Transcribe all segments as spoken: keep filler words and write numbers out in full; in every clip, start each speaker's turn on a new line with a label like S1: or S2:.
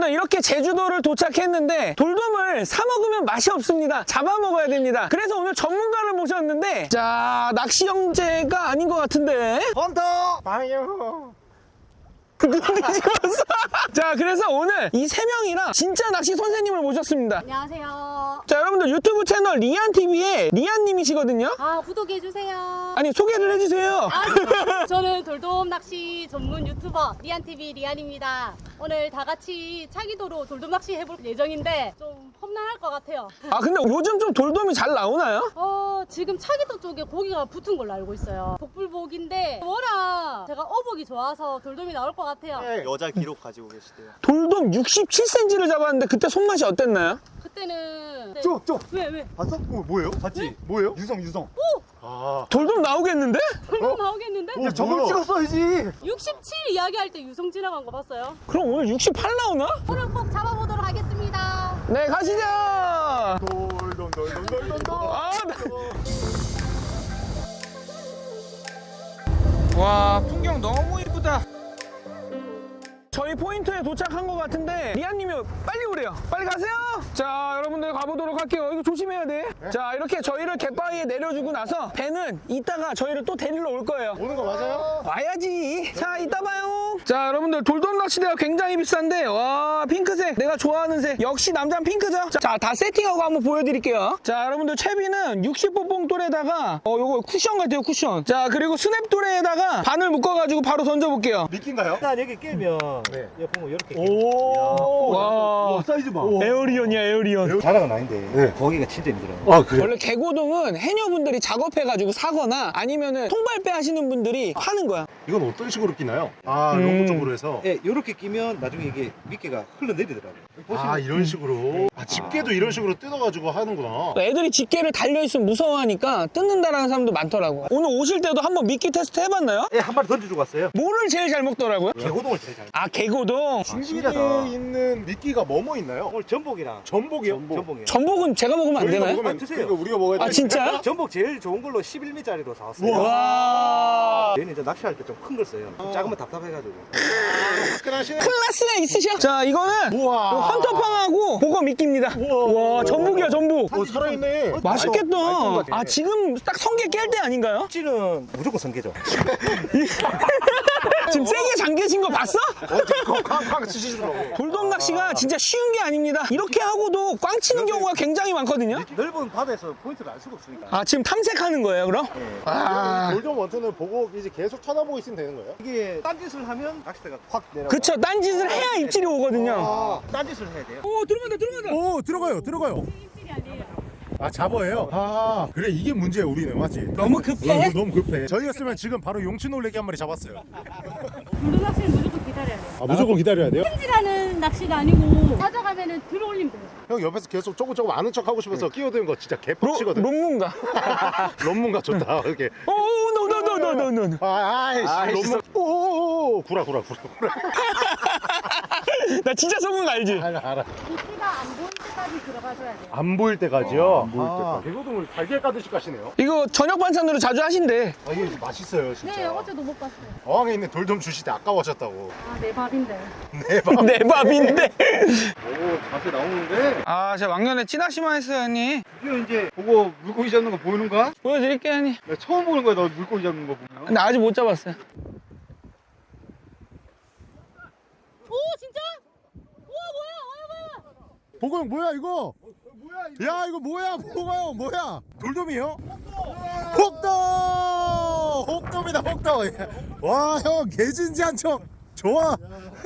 S1: 여러분들 이렇게 제주도를 도착했는데 돌돔을 사 먹으면 맛이 없습니다. 잡아 먹어야 됩니다. 그래서 오늘 전문가를 모셨는데 자, 낚시 형제가 아닌 것 같은데
S2: 헌터! 방요!
S1: 눈이 뒤집었어. 자, 그래서 오늘 이 세 명이랑 진짜 낚시 선생님을 모셨습니다.
S3: 안녕하세요.
S1: 자, 여러분들 유튜브 채널 리안티비의 리안님이시거든요.
S3: 아, 구독해주세요.
S1: 아니, 소개를 해주세요.
S3: 아, 저는 돌돔 낚시 전문 유튜버 리안티비 리안입니다. 오늘 다 같이 차기도로 돌돔 낚시 해볼 예정인데 좀 험난할 것 같아요.
S1: 아, 근데 요즘 좀 돌돔이 잘 나오나요?
S3: 어, 지금 차기도 쪽에 고기가 붙은 걸로 알고 있어요. 복불복인데 워낙 제가 어복이 좋아서 돌돔이 나올 것 같아요.
S2: 네, 여자 기록 가지고 계시대요.
S1: 돌돔 육십칠 센티미터를 잡았는데 그때 손맛이 어땠나요?
S3: 그때는 네.
S2: 쪽! 쪽!
S3: 왜 왜?
S2: 봤어? 어, 뭐예요? 봤지? 뭐예요? 유성 유성.
S3: 오!
S2: 아.
S1: 돌돔 나오겠는데?
S3: 돌돔 나오겠는데?
S2: 야, 저걸 찍었어야지.
S3: 육십칠 이야기할 때 유성 지나간 거 봤어요?
S1: 그럼 오늘 육십팔 나오나?
S3: 오늘 꼭 잡아보도록 하겠습니다.
S1: 네, 가시죠.
S2: 돌돔 돌돔 돌돔 돌.
S1: 아, 나... 와, 풍경 너무 이쁘다. 저희 포인트에 도착한 것 같은데 리안님이 빨리 오래요. 빨리 가세요. 자, 여러분들 가보도록 할게요. 이거 조심해야 돼.
S2: 네?
S1: 자, 이렇게 저희를 갯바위에 내려주고 나서 배는 이따가 저희를 또 데리러 올 거예요.
S2: 오는 거 맞아요?
S1: 와야지. 자, 이따 봐요. 자, 여러분들 돌돔 낚시대가 굉장히 비싼데 와, 핑크색 내가 좋아하는 색. 역시 남자는 핑크죠. 자, 다 세팅하고 한번 보여드릴게요. 자, 여러분들 채비는 육십 호 봉돌에다가 어 요거 쿠션 같아요, 쿠션. 자, 그리고 스냅돌에다가 바늘 묶어가지고 바로 던져볼게요.
S2: 미끼인가요?
S4: 일단 여기 끼면
S2: 네.
S4: 여기 보면 이렇게
S2: 오.
S1: 와,
S2: 사이즈 봐.
S1: 에어리언이야, 에어리언.
S4: 자랑은 아닌데
S2: 네.
S4: 거기가 진짜 힘들어요.
S2: 아, 그래.
S1: 원래 개고동은 해녀분들이 작업해가지고 사거나 아니면은 통발배 하시는 분들이 파는 거야.
S2: 이건 어떤 식으로 끼나요? 아,
S1: 음.
S2: 롱구 쪽으로 해서.
S4: 예, 이렇게 끼면 나중에 이게 미끼가 흘러내리더라고요.
S2: 아, 이런 식으로. 아, 집게도 이런 식으로 뜯어가지고 하는구나.
S1: 애들이 집게를 달려있으면 무서워하니까 뜯는다라는 사람도 많더라고. 오늘 오실 때도 한번 미끼 테스트 해봤나요?
S4: 예, 한 마리 던져주고 왔어요.
S1: 뭐를 제일 잘 먹더라고요?
S4: 개고동을 제일 잘.
S1: 아, 개고동.
S4: 신기하다.
S2: 준비되어 있는 미끼가 뭐뭐 있나요?
S4: 오늘 전복이랑
S2: 전복이요?
S4: 전복이요.
S1: 전복은 제가 먹으면 안
S2: 저희가
S1: 되나요?
S2: 먹으면
S4: 아, 드세요.
S2: 그러니까 우리가 먹어야 돼.
S1: 아, 진짜요?
S4: 전복 제일 좋은 걸로 십일 미터짜리로 사왔어요.
S1: 와,
S4: 얘는 이제 낚시할 때 좀 큰 걸 써요. 좀 작으면 답답해가지고.
S2: 화끈하시네.
S1: 클라스가 있으셔. 자, 이거는
S2: 우와.
S1: 요 헌터팡하고 보거 미끼입니다.
S2: 우와.
S1: 와, 전복이야, 전복.
S2: 어, 살아있네.
S1: 맛있겠다.
S2: 어,
S1: 아, 지금 딱 성게 깰 때 아닌가요?
S4: 찌는 무조건 성게죠.
S1: 지금 세게 잠겨진 거 봤어?
S2: 어, 쾅쾅 치시더라고.
S1: 돌돔 낚시가 진짜 쉬운 게 아닙니다. 이렇게 하고도 꽝 치는 경우가 굉장히 많거든요.
S4: 넓은 바다에서 포인트를 알 수가 없으니까.
S1: 아, 지금 탐색하는 거예요, 그럼? 아,
S2: 골든 원턴을 보고 이제 계속 쳐다보고 있으면 되는 거예요?
S4: 이게 딴짓을 하면 낚싯대가 확 내려가.
S1: 그쵸. 딴짓을 해야 입질이 오거든요.
S2: 아,
S4: 딴짓을 해야 돼요.
S1: 오, 들어간다, 들어간다.
S2: 오, 들어가요, 들어가요.
S3: 입질이 아니에요.
S2: 아, 잡어예요? 아, 그래, 이게 문제야, 우리는, 맞지?
S1: 너무 급해?
S2: 어, 너무 급해. 저희였으면 지금 바로 용치 놀래기 한 마리 잡았어요.
S3: 돌돔 낚시는 무조건 기다려야 돼요.
S2: 아, 무조건 기다려야 돼요?
S3: 찜질하는 낚시가 아니고 찾아가면은 들어올리면 돼요.
S2: 형 옆에서 계속 조금 조금 아는 척 하고 싶어서 끼어드는 거 진짜
S1: 로,
S2: 개빡치거든.
S1: 론문가?
S2: 론문가 좋다, 이렇게.
S1: 오, 노, 노, 노, 노, 노, 노.
S2: 아, 아이씨,
S4: 아이씨.
S2: 론문. 오오오, 구라, 구라, 구라, 구라.
S1: 나 진짜 속은 거 알지?
S2: 알아, 알아.
S3: 미끼가 안 보일 때까지 들어가줘야 돼요.
S2: 안 보일 때까지요? 안
S4: 보일
S2: 때까지. 개고동을 달걀 까듯이 까시네요.
S1: 이거 저녁 반찬으로 자주 하신대.
S2: 아, 이게 맛있어요, 진짜.
S3: 네, 어제도 못 봤어요.
S2: 어항에 있는 돌돔 주실 때 아까워하셨다고.
S3: 아, 내 밥인데.
S2: 네, 밥.
S1: 내 밥인데.
S4: 오, 자세 나오는데.
S1: 아, 제가 왕년에 찌낚시만 했어요, 형님.
S4: 이거 이제 보고 물고기 잡는 거 보이는 거야?
S1: 보여드릴게요, 형님.
S4: 나 처음 보는 거야, 너 물고기 잡는 거 보면.
S1: 근데 아직 못 잡았어요.
S3: 오, 진짜? 우와, 뭐야? 뭐야, 뭐야?
S2: 보고 형 뭐야 이거? 야 이거 뭐야 보고 형 뭐야? 돌돔이요? 혹돔! 혹돔이다 혹돔. 와 형 개진지한 척 좋아.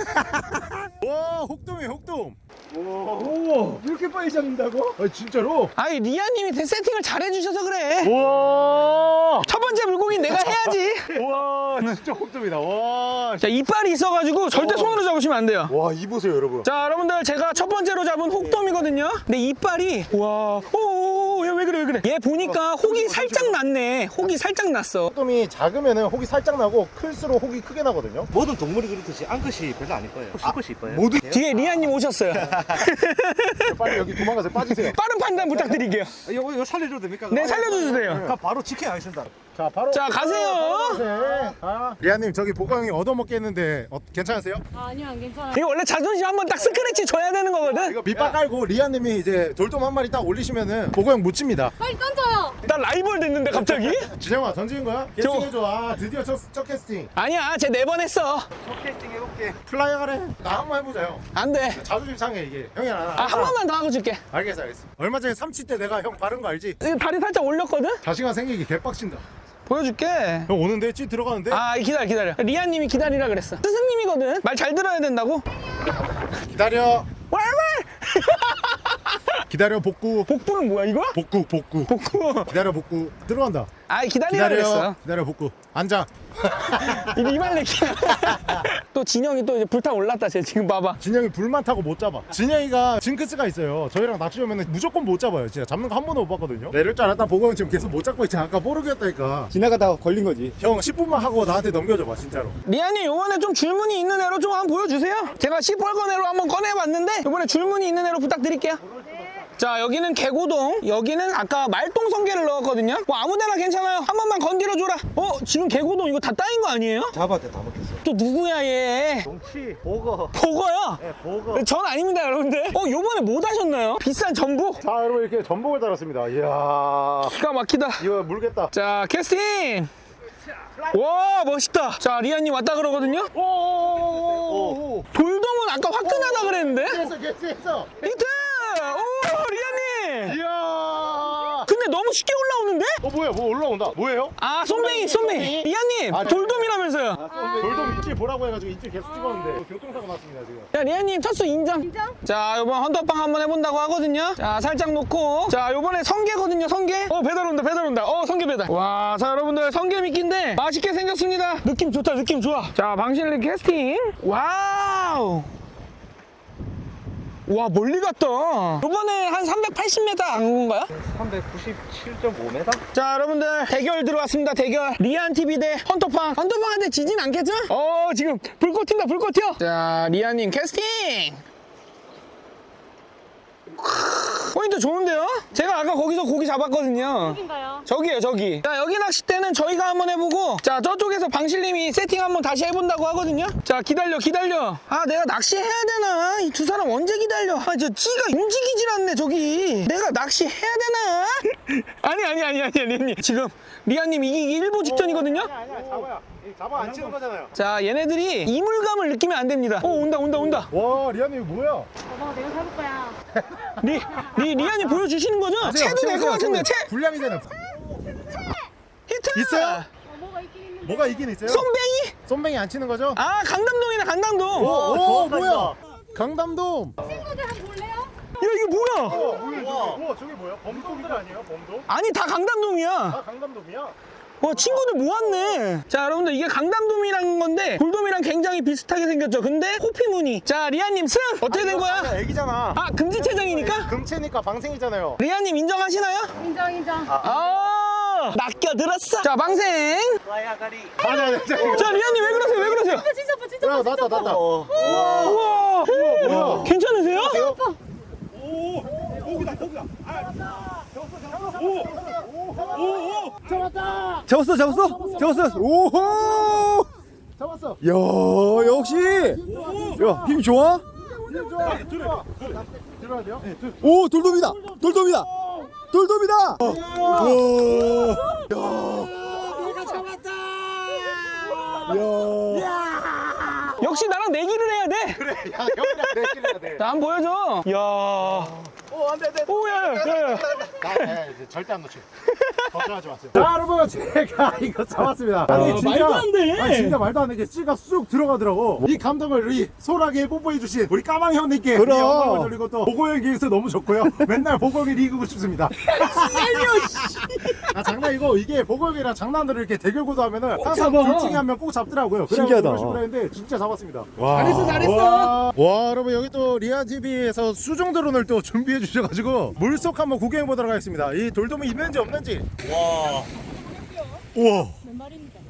S2: 와 혹돔이 혹돔.
S4: 오, 이렇게 빨리 잡는다고?
S2: 아 진짜로?
S1: 아니, 리아님이 세팅을 잘 해주셔서 그래.
S2: 와.
S1: 첫 번째 물고기 내가 해야지.
S2: 와 진짜 혹돔이다. 와.
S1: 자, 이빨이 있어가지고 절대 손으로 잡으시면 안 돼요.
S2: 와 이 보세요 여러분.
S1: 자, 여러분들 제가 첫 번째로 잡은 혹돔이거든요. 근데 이빨이 와, 오오오, 야, 왜 그래, 그래 왜 그래? 얘 보니까 혹이 살짝 났네. 혹이 살짝 났어.
S2: 혹돔이 작으면은 혹이 살짝 나고 클수록 혹이 크게 나거든요.
S5: 모든 동물이 그렇듯이 암컷이 별로 아닐 거예요. 수컷이 이뻐요.
S2: 모두
S1: 뒤에 리안님 오셨어요.
S2: 빨리 여기 도망가서 빠지세요.
S1: 빠른 판단 부탁드릴게요.
S5: 이거 이거 살려줘도 됩니까?
S1: 네, 살려주셔도 돼요.
S5: 그럼 바로 지켜야겠습니다.
S2: 자 바로
S1: 자, 가세요.
S2: 네. 아. 리아님 저기 보고 형이 얻어먹게 했는데 어, 괜찮으세요?
S3: 아, 아니요, 안 괜찮아요.
S1: 이거 원래 자존심 한번 딱 스크래치 줘야 되는 거거든.
S2: 이거 밑밥 깔고 리아님이 이제 돌돔 한 마리 딱 올리시면은 보고 형 묻힙니다.
S3: 빨리 던져요.
S1: 나 라이벌 됐는데 갑자기?
S2: 진영아 던지는 거야?
S1: 저-
S2: 캐스팅해줘. 아 드디어 첫, 첫 캐스팅.
S1: 아니야, 쟤 네 번 했어.
S5: 캐스팅 해볼게.
S2: 플라이어 가래. 나 한 번 해보자 형.
S1: 안 돼.
S2: 자존심 상해 이게. 형이 안
S1: 아, 한 번만 더 하고 줄게.
S2: 알겠어 알겠어. 얼마 전에 삼치 때 내가 형 바른 거 알지?
S1: 이거 다리 살짝 올렸거든?
S2: 자신감 생기기 개빡친다.
S1: 보여줄게.
S2: 형 오는데 찌 들어가는데?
S1: 아, 기다려, 기다려. 리안님이 기다리라 그랬어. 스승님이거든. 말 잘 들어야 된다고.
S2: 기다려.
S1: 왈왈!
S2: 기다려 복구.
S1: 복부는 뭐야, 이거?
S2: 복구 복구.
S1: 복부.
S2: 기다려 복구. 들어간다.
S1: 아, 기다리라 그랬어.
S2: 기다려. 기다려 복구. 앉아.
S1: 이 이발레키야. 또 진영이 또 이제 불타 올랐다, 쟤 지금 봐봐.
S2: 진영이 불만 타고 못 잡아. 진영이가 징크스가 있어요. 저희랑 낚시 오면 무조건 못 잡아요. 진짜 잡는 거 한 번도 못 봤거든요. 내릴 줄 알았다 보고 형 지금 계속 못 잡고 있잖아. 아까 뽀르기였다니까.
S4: 지나가다가 걸린 거지.
S2: 형 십 분만 하고 나한테 넘겨줘봐 진짜로.
S1: 리안님, 요번에 좀 줄무늬 있는 애로 좀 한번 보여주세요. 제가 시뻘건 애로 한번 꺼내봤는데, 요번에 줄무늬 있는 애로 부탁드릴게요. 자, 여기는 개고동, 여기는 아까 말똥 성게를 넣었거든요. 뭐 아무데나 괜찮아요. 한 번만 건드려줘라. 어, 지금 개고동 이거 다 따인 거 아니에요?
S5: 잡았대 다 먹겠어.
S1: 또 누구야 얘?
S5: 동치, 보거.
S1: 보거요?
S5: 네, 보거.
S1: 전 아닙니다, 여러분들. 어, 요번에 뭐 다셨나요? 비싼 전복?
S2: 자 여러분 이렇게 전복을 달았습니다. 이야
S1: 기가 막히다.
S2: 이거 물겠다.
S1: 자, 캐스팅! 와, 멋있다. 자, 리안님 왔다 그러거든요?
S2: 오오오오오.
S1: 돌돔은 아까 화끈하다 그랬는데?
S2: 했어 했어.
S1: 히트! 오, 리안님!
S2: 이야.
S1: 근데 너무 쉽게 올라오는데?
S2: 어 뭐야 뭐 올라온다. 뭐예요?
S1: 아, 손뱅이, 손뱅이. 리안님,
S2: 아, 네.
S1: 돌돔이라면서요.
S2: 돌돔 입질 보라고 해가지고 입질 계속 찍었는데 교통사고 났습니다 지금.
S1: 자, 리안님, 첫수 인정.
S3: 인정?
S1: 자, 요번 헌터빵 한번 해본다고 하거든요. 자, 살짝 놓고. 자, 요번에 성게거든요, 성게. 어, 배달 온다, 배달 온다. 어, 성게 배달. 와, 자, 여러분들, 성게 미끼인데 맛있게 생겼습니다. 느낌 좋다, 느낌 좋아. 자, 방실리 캐스팅. 와우. 와, 멀리 갔다. 요번에 한 삼백팔십 미터 안 온 건가요?
S5: 삼백구십칠 점 오 미터?
S1: 자, 여러분들, 대결 들어왔습니다, 대결. 리안티비 대 헌터빵. 헌터빵한테 지진 않겠죠? 어, 지금 불꽃 튄다, 불꽃 튀어. 자, 리안님 캐스팅. 포인트 좋은데요? 제가 아까 거기서 고기 잡았거든요.
S3: 여긴가요?
S1: 저기요, 저기. 자, 여기 낚싯대는 저희가 한번 해보고, 자, 저쪽에서 방실님이 세팅 한번 다시 해본다고 하거든요. 자, 기다려, 기다려. 아, 내가 낚시해야 되나? 이 두 사람 언제 기다려? 아, 저 찌가 움직이질 않네, 저기. 내가 낚시해야 되나? 아니, 아니, 아니, 아니, 아니, 아니. 지금 리안님 이기기 일보 직전이거든요?
S2: 아니야 잡아야. 잡아 안 치는 거잖아요.
S1: 자, 얘네들이 이물감을 느끼면 안 됩니다. 오, 온다, 온다, 온다.
S2: 와 리안이 뭐야?
S3: 엄마가 내가 잡을 거야.
S1: 리, 리, 리안이 보여주시는 거죠? 채도 될 것 같은데, 채!
S2: 불량이잖아.
S1: 히트!
S2: 있어요?
S3: 어, 뭐가 있긴 있는데.
S2: 뭐가 이긴 있어요?
S1: 손뱅이?
S2: 손뱅이 안 치는 거죠?
S1: 아, 강담동이네, 강담동.
S2: 오, 오
S5: 정확하다.
S2: 뭐야? 강담돔.
S3: 친구들 한번 볼래요?
S1: 야, 이게 뭐야?
S2: 우와 저게 뭐야? 범돔들 아니에요? 범돔?
S1: 아니, 다 강담돔이야.
S2: 아 강담돔이야?
S1: 와, 친구들 모았네. 자, 여러분들, 이게 강담돔이란 건데 돌돔이랑 굉장히 비슷하게 생겼죠. 근데 호피무늬. 자, 리안님 승! 어떻게 된 거야?
S2: 아니야 애기잖아.
S1: 아, 금지체장이니까?
S2: 금체니까 방생이잖아요.
S1: 리안님 인정하시나요?
S3: 인정, 인정.
S1: 아, 낚여들었어. 자, 방생.
S5: 와야가리.
S2: 아니 아니 아니.
S1: 자, 리안님 왜 그러세요? 왜 그러세요?
S3: 아, 진짜 봐, 진짜
S2: 야
S3: 봐, 진짜
S2: 났다
S3: 봐.
S2: 났다.
S1: 우와.
S2: 뭐야?
S1: 괜찮으세요?
S4: 잡았어, 잡았어, 잡았어. 오호!
S2: 잡았어.
S4: 야, 역시. 야, 힘 좋아?
S2: 들어야 돼요?
S4: 오, 돌돔이다. 돌돔이다. 돌돔이다. 와. 야. 야.
S1: 역시 나랑 내기를 해야 돼.
S2: 그래 야 형이랑 내기해야 돼.
S1: 나 한번 보여줘. 이야.
S2: 오 안돼 안돼.
S1: 오, 야, 야, 야.
S2: 나 이제 절대 안 놓쳐. 걱정하지 마세요. 자 여러분 제가 이거 잡았습니다. 아니 진짜
S1: 말도 안 돼.
S2: 아니 진짜 말도 안 돼. 찌가 쑥 들어가더라고. 이 감동을 우리 소라게 뽀뽀해 주신 우리 까망 형님께
S4: 그럼.
S2: 영광을 돌리고 또 보고 형에게서 너무 좋고요. 맨날 보고 형이 이기고 싶습니다. 아 장난이고 이게 보글이랑 장난으로 이렇게 대결구도 하면은 항상
S1: 잡아.
S2: 둘 중에 한 명 꼭 잡더라고요.
S4: 신기하다.
S2: 그래서 했는데 진짜 잡았습니다. 와.
S1: 잘했어, 잘했어.
S2: 와, 와 여러분 여기 또 리안티비에서 수중 드론을 또 준비해 주셔가지고 물속 한번 구경해 보도록 하겠습니다. 이 돌돔이 있는지 없는지. 와. 우와.
S3: 몇 마리입니다.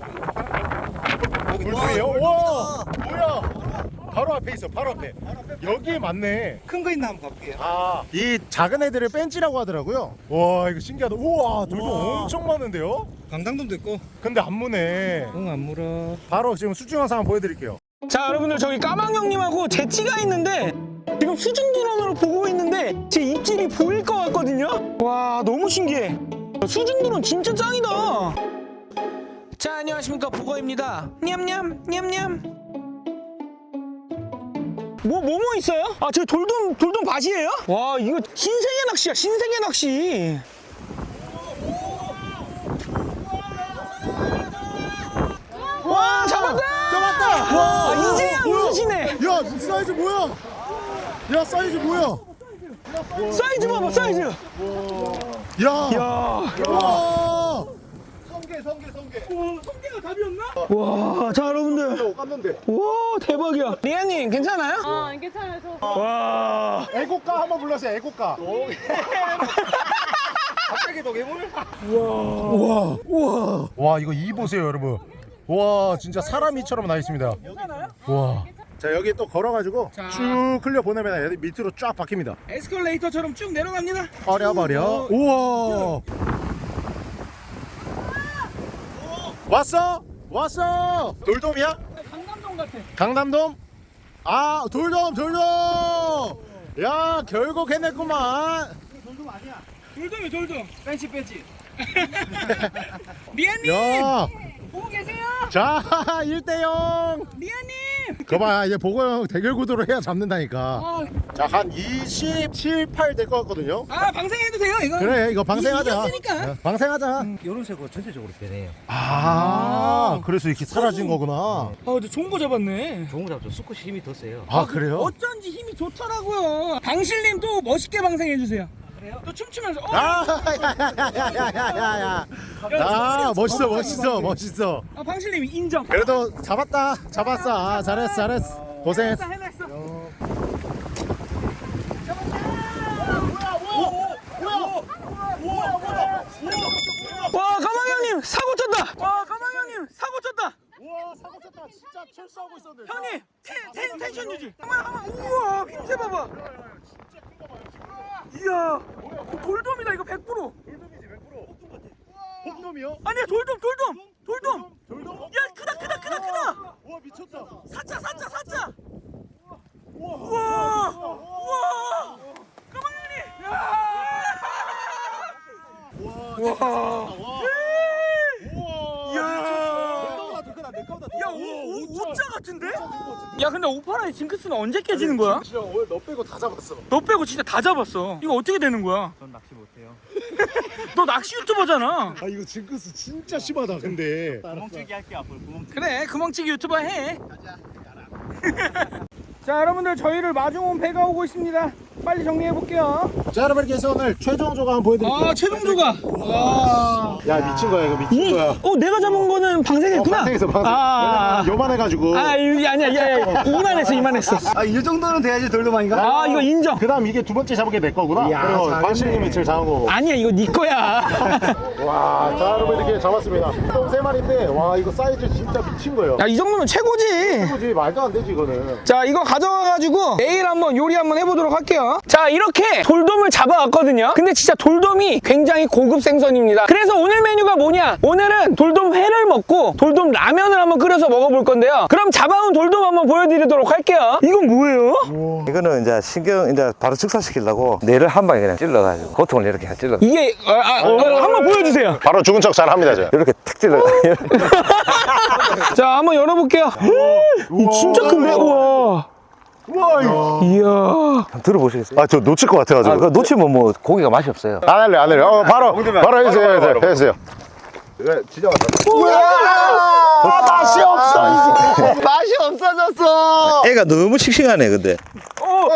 S2: 돌돔이에요? 와. 뭐야? 바로 앞에 있어. 바로 앞에. 여기에 맞네.
S5: 큰 거 있나 한번 가볼게요.
S2: 아, 이 작은 애들을 벤치라고 하더라고요. 와, 이거 신기하다. 우와, 돌돔 엄청 많은데요?
S5: 강당돔도 있고.
S2: 근데 안 무네.
S5: 응, 안 물어.
S2: 바로 지금 수중 영상 한번 보여드릴게요.
S1: 자 여러분들 저기 까망 형님하고 제치가 있는데 지금 수중 드론으로 보고 있는데 제 입질이 보일 것 같거든요. 와 너무 신기해. 수중 드론 진짜 짱이다. 자 안녕하십니까 보거입니다. 냠냠 냠냠. 뭐 뭐 뭐 있어요? 아 저 돌돔 돌돔 밭이에요? 와 이거 신세계 낚시야 신세계 낚시. 와 잡았다.
S2: 잡았다! 와,
S1: 아, 이제야
S2: 뭐야?
S1: 웃으시네.
S2: 야, 사이즈 뭐야? 야, 사이즈 뭐야?
S1: 사이즈 봐봐 사이즈.
S2: 야,
S1: 야.
S2: 와,
S5: 성게, 성게, 성게.
S1: 성게가 답이었나? 와, 자 여러분들,
S2: 깠는데.
S1: 와 대박이야. 리아님 괜찮아요?
S3: 아, 괜찮아요. 저
S1: 와,
S2: 애국가 한번 불러주세요. 애국가.
S5: 갑자기 도개물?
S2: 우와, 우와. 와, 이거 이 보세요, 여러분. 와, 진짜 사람이처럼 나 있습니다. 와. 자, 여기 또 걸어가지고
S1: 자.
S2: 쭉 흘려 보내면 여기 밑으로 쫙 박힙니다.
S1: 에스컬레이터처럼 쭉 내려갑니다.
S2: 버려버려. 우와. 왔어? 왔어. 돌돔이야?
S1: 강남동 같아.
S2: 강남돔? 아, 돌돔, 돌돔. 야, 결국 해냈구만.
S1: 돌돔이 돌돔. 벤치 벤치. 리아님
S2: 야,
S1: 보고 계세요?
S2: 자, 일 대 영.
S1: 리아님.
S2: 거봐, 이제 보고형 대결 구도로 해야 잡는다니까.
S1: 아,
S2: 자, 한 이십칠, 팔 될 것 같거든요.
S1: 아 방생해도 돼요 이거?
S2: 그래, 이거 방생하자.
S1: 이겼으니까.
S2: 어, 방생하자.
S5: 요런색으로 전체적으로 변해요.
S2: 아, 그래서 이렇게 사라진 거구나.
S1: 아 근데 좋은 거 잡았네.
S5: 좋은 거 잡죠. 수컷이 힘이 더 세요.
S2: 아, 그래요?
S1: 어쩐지 힘이 좋더라고요. 방실님 또 멋있게 방생해 주세요. 그래요? 또 춤추면서. 어?
S2: 아, 야야야야야야야. 아, 멋있어, 멋있어, 멋있어.
S1: 아 방실님 인정.
S2: 그래도 잡았다, 잡았어. 아, 잘했어, 잘했어. 고생했어.
S1: 해냈어. 와 까망 형님 사고 쳤다. 와 까망 형님 사고 쳤다.
S2: 와, 사고 쳤다. 진짜 철수하고 있었는데.
S1: 형님 텐, 텐, 텐션 유지. 한번 한번 우와 힘세 봐봐. 이야 돌돔이다 이거 백 퍼센트.
S2: 돌돔이지, 백 퍼센트. 홍돔이요?
S1: 아니야 돌돔 돌돔 돌돔.
S2: 돌돔?
S1: 야 크다 크다 크다 크다.
S2: 와, 미쳤다.
S1: 사자 사자 사자. 우와 우와 우와 까망 형님. 와.
S2: 우와.
S1: 야.
S2: 내 거보다
S1: 야, 오, 오, 오자 같은데? 야, 근데 오파라의 징크스는 언제 깨지는 거야?
S2: 진짜 오늘 너 빼고 다 잡았어.
S1: 너 빼고 진짜 다 잡았어. 이거 어떻게 되는 거야?
S5: 전 낚시 못해요.
S1: 너 낚시 유튜버잖아.
S2: 아, 이거 징크스 진짜 심하다. 근데.
S5: 구멍치기 할게 앞으로 구멍치기.
S1: 그래, 구멍치기 유튜버 해. 자, 여러분들 저희를 마중 온 배가 오고 있습니다. 빨리 정리해 볼게요.
S2: 자, 여러분 이렇게 해서 오늘 최종 조각 한번 보여드릴게요.
S1: 아, 최종 조각. 와.
S2: 야, 미친 거야, 이거 미친 거야.
S1: 어, 내가 잡은 거는 방생했구나.
S2: 어, 방생했어, 방생.
S1: 아,
S2: 요만해가지고.
S1: 아, 이- 아니야, 야, 야, 이만했어, 이만했어.
S5: 아, 이 정도는 돼야지 돌돔 아닌가?
S1: 아, 이거 인정.
S2: 그 다음 이게 두 번째 잡은 게 내 거구나.
S5: 이야,
S2: 그리고
S5: 잘했네.
S2: 관실님이 제일 작은 거고.
S1: 아니야, 이거 네 거야.
S2: 와, 자, 여러분 이렇게 잡았습니다. 똥 세 마리인데, 와, 이거 사이즈 진짜 미친 거예요.
S1: 야, 이 정도면 최고지.
S2: 그지 말도 안 되지, 이거는.
S1: 자 이거 가져와가지고 내일 한번 요리 한번 해보도록 할게요. 자 이렇게 돌돔을 잡아왔거든요. 근데 진짜 돌돔이 굉장히 고급 생선입니다. 그래서 오늘 메뉴가 뭐냐, 오늘은 돌돔 회를 먹고 돌돔 라면을 한번 끓여서 먹어볼 건데요. 그럼 잡아온 돌돔 한번 보여드리도록 할게요. 이건 뭐예요?
S6: 이거는 이제 신경 이제 바로 축사시키려고 뇌를 한 방에 그냥 찔러가지고 고통을 이렇게 찔러
S1: 이게 아, 아, 어, 한번 보여주세요.
S2: 바로 죽은 척 잘 합니다, 저.
S6: 이렇게 탁 찔러.
S1: 자 한번 열어볼게요. 이 진짜 큰데? 우와.
S2: 우와, 이거.
S1: 이야.
S6: 들어보시겠어요?
S2: 아, 저 놓칠 것 같아가지고.
S6: 아, 그거 놓치면 뭐 고기가 맛이 없어요.
S2: 안 할래, 안 할래. 어, 바로, 바로 해주세요, 해주세요. 해주세요.
S6: 진짜
S2: 아, 맛이 없어, 이제.
S6: 맛이 없어졌어. 애가 너무 싱싱하네 근데.
S1: 어,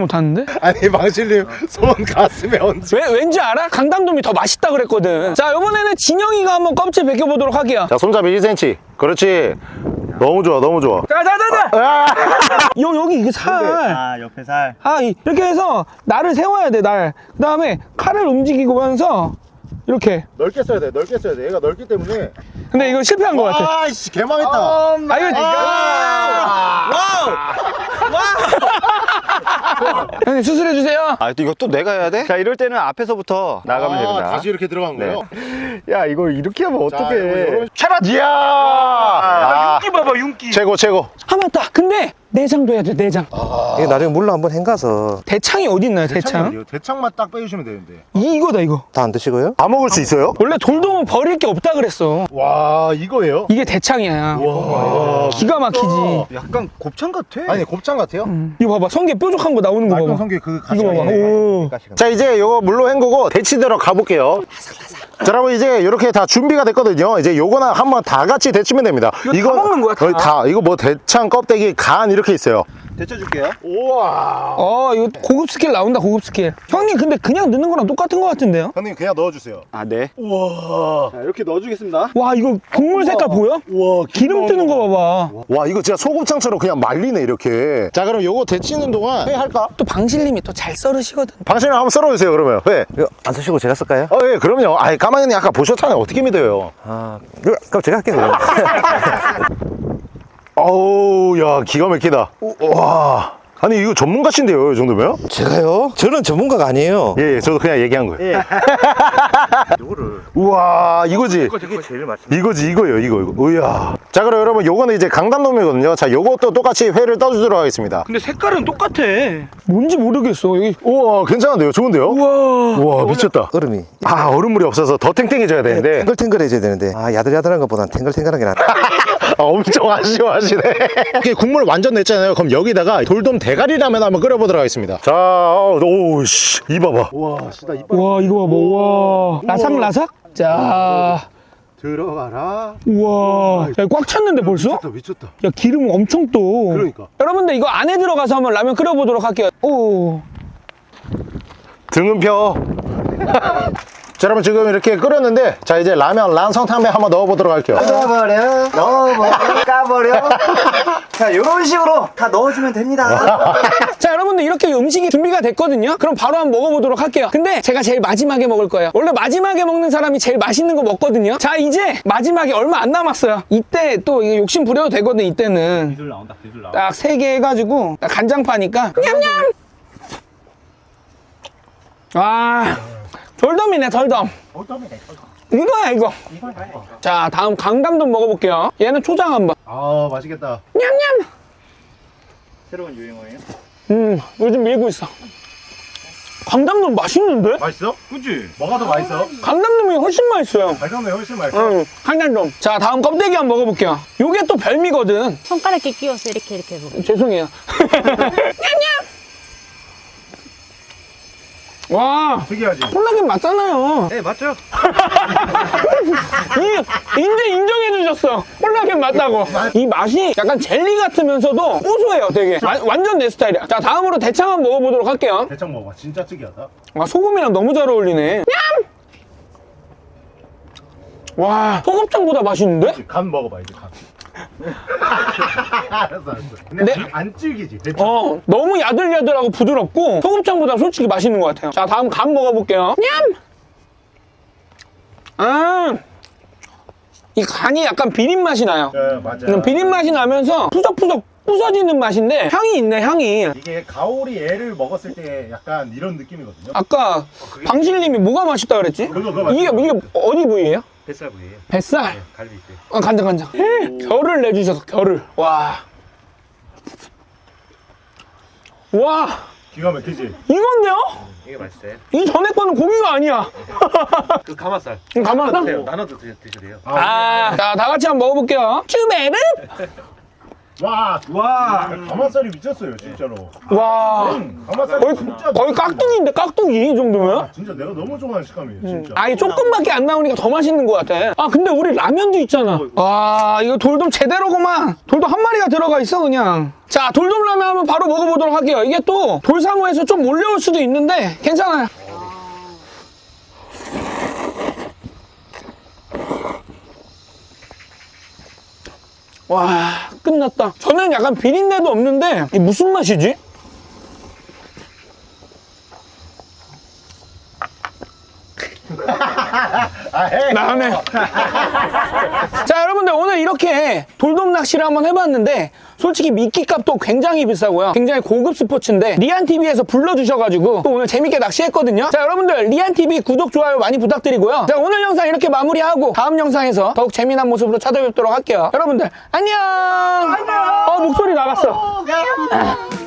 S1: 못하는데?
S2: 아니 망실님 손 가슴에 얹어.
S1: 왜, 왠지 알아? 강담돔이 더 맛있다 그랬거든. 자, 이번에는 진영이가 한번 껍질 벗겨보도록 할게요.
S2: 자 손잡이 일 센티미터. 그렇지. 너무 좋아 너무 좋아.
S1: 자, 자, 자, 자! 요, 여기 이게 살.
S5: 아, 옆에 살.
S1: 아, 이- 이렇게 해서 날을 세워야 돼, 날. 그 다음에 칼을 움직이면서 이렇게.
S2: 넓게 써야 돼 넓게 써야 돼. 얘가 넓기 때문에.
S1: 근데 이거 실패한 것 같아.
S2: 아이씨 개망했다.
S1: 아, 이거. 형님, 수술해주세요.
S4: 아, 또 이거 또 내가 해야 돼? 자, 이럴 때는 앞에서부터 나가면
S2: 아,
S4: 됩니다.
S2: 다시 이렇게 들어간
S4: 네.
S2: 거예요?
S4: 야, 이거 이렇게 하면
S2: 자,
S4: 어떡해.
S2: 이거
S4: 차라리. 이야!
S2: 아,
S4: 윤기 봐봐, 윤기.
S2: 최고 최고.
S1: 아, 맞다. 근데 내장도 해야 돼, 내장.
S6: 이게 나중에 물로 한번 헹가서
S1: 대창이 어디 있나요, 대창?
S2: 대창만 딱 빼주시면 되는데.
S1: 이, 이거다, 이거.
S6: 다 안 드시고요?
S2: 다 먹을 수 있어요?
S1: 원래 돌돔은 버릴 게 없다 그랬어.
S2: 와 이거예요?
S1: 이게 대창이야.
S2: 와
S1: 기가 막히지.
S4: 약간 곱창 같아.
S2: 아니 곱창 같아요?
S1: 이거 봐봐, 성게 뾰족한 거 나오는 거
S2: 말끔
S1: 봐봐.
S2: 성게 그
S1: 이거 봐봐. 오.
S2: 자 이제 요거 물로 헹구고 데치도록 가볼게요. 자 여러분 이제 이렇게 다 준비가 됐거든요. 이제 요거나 한번 다 같이 데치면 됩니다.
S1: 이거 다 먹는 거야, 다?
S2: 어, 다 이거 뭐 대창 껍데기 간 이렇게 있어요.
S4: 데쳐줄게요.
S2: 우와.
S1: 어 이거 고급 스킬 나온다 고급 스킬. 형님 근데 그냥 넣는 거랑 똑같은 거 같은데요?
S2: 형님 그냥 넣어주세요.
S4: 아, 네.
S2: 우와.
S4: 자, 이렇게 넣어주겠습니다.
S1: 와 이거 국물 색깔 보여?
S2: 우와.
S1: 기름 뜨는 거 봐봐.
S2: 와 이거 진짜 소곱창처럼 그냥 말리네 이렇게. 자 그럼 요거 데치는 동안 회 할까?
S1: 또 방실님이 또 잘 썰으시거든.
S2: 방신을 한번 썰어주세요 그러면. 회.
S6: 이거 안 쓰시고 제가 쓸까요?
S2: 어, 예, 그럼요. 아이, 까마귀님 아까 보셨잖아요. 어떻게 믿어요?
S6: 아, 이거, 그럼 제가 할게요. 그럼.
S2: 어우, 야, 기가 막히다. 와. 아니, 이거 전문가신데요, 이 정도면?
S6: 제가요? 저는 전문가가 아니에요.
S2: 예, 예, 저도 그냥 얘기한 거예요.
S6: 예. 요거를.
S2: 우와, 이거지.
S6: 이게 제일 맛있습니다.
S2: 이거지, 이거예요, 이거, 이거. 우야. 자, 그럼 여러분, 요거는 이제 강담놈이거든요. 자, 요것도 똑같이 회를 떠주도록 하겠습니다.
S1: 근데 색깔은 똑같아. 뭔지 모르겠어. 여기.
S2: 우와, 괜찮은데요? 좋은데요?
S1: 우와.
S2: 우와, 미쳤다.
S6: 얼음이.
S2: 아, 얼음물이 없어서 더 탱탱해져야 되는데.
S6: 탱글탱글해져야 되는데. 아, 야들야들한 것보단 탱글탱글한 게 낫다.
S2: 아, 엄청 아쉬워하시네. 이렇게 국물 완전 냈잖아요. 그럼 여기다가 돌돔 대가리라면 한번 끓여보도록 하겠습니다. 자, 오, 씨, 이봐봐. 와, 진짜 이빨
S1: 와 이거 봐봐. 와. 라삭라삭? 자.
S2: 들어가라.
S1: 우와. 야, 꽉 찼는데 벌써?
S2: 미쳤다.
S1: 야 기름 엄청 또.
S2: 그러니까.
S1: 여러분들 이거 안에 들어가서 한번 라면 끓여보도록 할게요. 오.
S2: 등은 펴. 자, 여러분 지금 이렇게 끓였는데, 자, 이제 라면 란성탕면 한번 넣어보도록 할게요.
S4: 넣어버려, 넣어버려, 까버려. 자, 이런 식으로 다 넣어주면 됩니다.
S1: 자 여러분들 이렇게 음식이 준비가 됐거든요. 그럼 바로 한번 먹어보도록 할게요. 근데 제가 제일 마지막에 먹을 거예요. 원래 마지막에 먹는 사람이 제일 맛있는 거 먹거든요. 자 이제 마지막에 얼마 안 남았어요. 이때 또 이거 욕심 부려도 되거든. 이때는
S5: 기술 나온다, 기술 나와.
S1: 딱 세 개 해가지고 딱 간장파니까 냠냠. 와 돌돔이네 돌돔. 이거야 이거. 자 다음 강담돔 먹어볼게요. 얘는 초장 한번.
S2: 아, 맛있겠다.
S1: 냠냠.
S5: 새로운 유행어예요?
S1: 음 요즘 밀고 있어. 강담돔 맛있는데?
S2: 맛있어?
S5: 그치?
S2: 뭐가 더 맛있어?
S1: 강담돔이 훨씬 맛있어요.
S2: 발감이 훨씬 맛있어.
S1: 응, 강담돔. 자, 다음 껍데기 한번 먹어볼게요. 요게 또 별미거든.
S3: 손가락에 끼워서 이렇게 이렇게 해보고.
S1: 죄송해요. 냠냠! 와,
S2: 특이하지?
S1: 콜라겐 맞잖아요.
S4: 네, 맞죠?
S1: 이, 이제 인정해주셨어. 콜라겐 맞다고. 이 맛이 약간 젤리 같으면서도 고소해요, 되게. 와- 완전 내 스타일이야. 자, 다음으로 대창 한번 먹어보도록 할게요.
S2: 대창 먹어봐. 진짜 특이하다.
S1: 아, 소금이랑 너무 잘 어울리네. 냠! 와, 소곱창보다 맛있는데?
S2: 간 먹어봐, 이제 간. 알았어, 알았어. 근데
S1: 네.
S2: 안, 안 질기지? 대창.
S1: 어, 너무 야들야들하고 부드럽고 소곱창보다 솔직히 맛있는 것 같아요. 자, 다음 간 먹어볼게요. 냠! 아, 이 간이 약간 비린 맛이 나요.
S2: 네, 맞아.
S1: 그냥 비린 맛이 나면서 푸석푸석 부서지는 맛인데 향이 있네, 향이.
S2: 이게 가오리 애를 먹었을 때 약간 이런 느낌이거든요.
S1: 아까 방실님이 뭐가 맛있다 그랬지?
S2: 그거, 그거
S1: 이게, 이게 어디 부위예요?
S4: 뱃살 부위에요.
S1: 뱃살?
S4: 갈비 있대.
S1: 어, 간장, 간장. 결을 내주셔서 결을. 와. 와,
S2: 기가 막히지?
S1: 이건데요?
S4: 이게 맛있어요.
S1: 이 전에 거는 고기가 아니야.
S4: 그 가마살.
S1: 가만.
S4: 돼요. 나눠도 드, 드셔도 돼요.
S1: 아, 자, 다 같이 한번 먹어볼게요. 쭈베르?
S2: 와, 와. 가마살이 미쳤어요, 진짜로.
S1: 와,
S2: 가마살이
S1: 거의,
S2: 진짜.
S1: 거의 깍두기인데, 깍두기 이 정도면?
S2: 진짜 내가 너무 좋아하는 식감이에요, 진짜.
S1: 아니, 조금밖에 안 나오니까 더 맛있는 것 같아. 아, 근데 우리 라면도 있잖아. 와, 이거 돌돔 제대로구만. 돌돔 한 마리가 들어가 있어, 그냥. 자, 돌돔 라면 한번 바로 먹어보도록 할게요. 이게 또 돌사무에서 좀 몰려올 수도 있는데, 괜찮아요. 와, 끝났다. 저는 약간 비린내도 없는데 이게 무슨 맛이지? 나네. 자, 여러분들 오늘 이렇게 돌돔 낚시를 한번 해봤는데 솔직히 미끼 값도 굉장히 비싸고요. 굉장히 고급 스포츠인데 리안티비에서 불러주셔가지고 또 오늘 재밌게 낚시했거든요. 자, 여러분들 리안티비 구독, 좋아요 많이 부탁드리고요. 자, 오늘 영상 이렇게 마무리하고 다음 영상에서 더욱 재미난 모습으로 찾아뵙도록 할게요. 여러분들 안녕. 안녕. 어, 목소리 나갔어.